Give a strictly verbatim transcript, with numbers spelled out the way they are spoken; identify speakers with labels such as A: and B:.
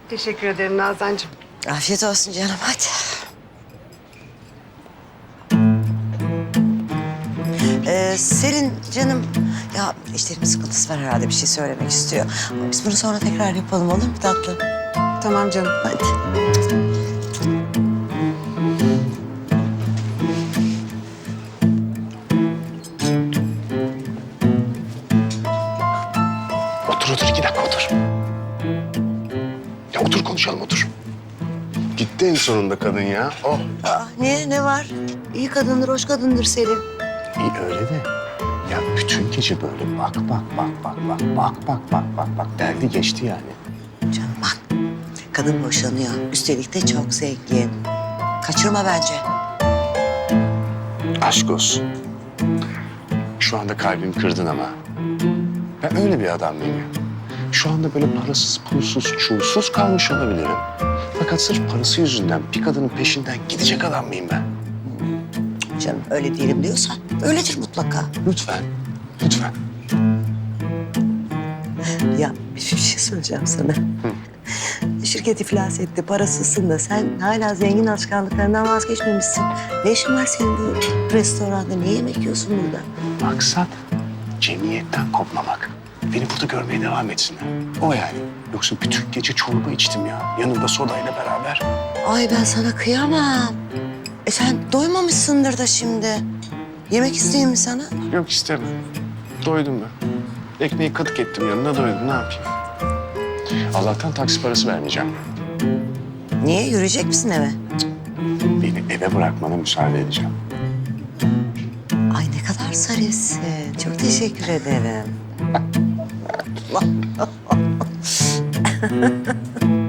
A: Teşekkür ederim Nazancığım.
B: Afiyet olsun canım, hadi. Ee, Selin canım, ya işlerin sıkıntısı var herhalde, bir şey söylemek istiyor. Ama biz bunu sonra tekrar yapalım, olur mu tatlım?
A: Tamam canım.
B: Hadi.
C: Otur otur iki dakika otur. Ya otur konuşalım otur. Gitti en sonunda kadın ya. Oh.
B: Aa, niye, ne var? İyi kadındır, hoş kadındır Selin.
C: İyi öyle de. Ya bütün gece böyle bak bak bak bak bak bak bak bak bak bak derdi geçti yani.
B: Canım bak, kadın boşanıyor. Üstelik de çok zengin. Kaçırma bence.
C: Aşk olsun. Şu anda kalbimi kırdın ama. Ben öyle bir adam mıyım ya? Şu anda böyle parasız, pulsuz, çulsuz kalmış olabilirim. Fakat sırf parası yüzünden bir kadının peşinden gidecek adam mıyım ben?
B: Canım öyle değilim diyorsan öyledir mutlaka.
C: Lütfen, lütfen.
B: Ya bir şey söyleyeceğim sana. Şirket iflas etti, parasızsın da sen hala zengin alışkanlıklarından vazgeçmemişsin. Ne işin var senin bu restoranda? Niye yemek yiyorsun burada?
C: Maksat cemiyetten kopmamak. Beni burada görmeye devam etsinler. O yani. Yoksa bütün gece çorba içtim ya. Yanımda sodayla beraber.
B: Ay ben sana kıyamam. E sen doymamışsındır da şimdi. Yemek isteyeyim mi sana?
C: Yok istemem. Doydum ben. Ekmeği katık ettim yanına doydum. Ne yapayım? Allah'tan taksi parası vermeyeceğim.
B: Niye? Yürüyecek misin eve?
C: Beni eve bırakmana müsaade edeceğim.
B: Ay ne kadar zarifsin. Çok teşekkür ederim.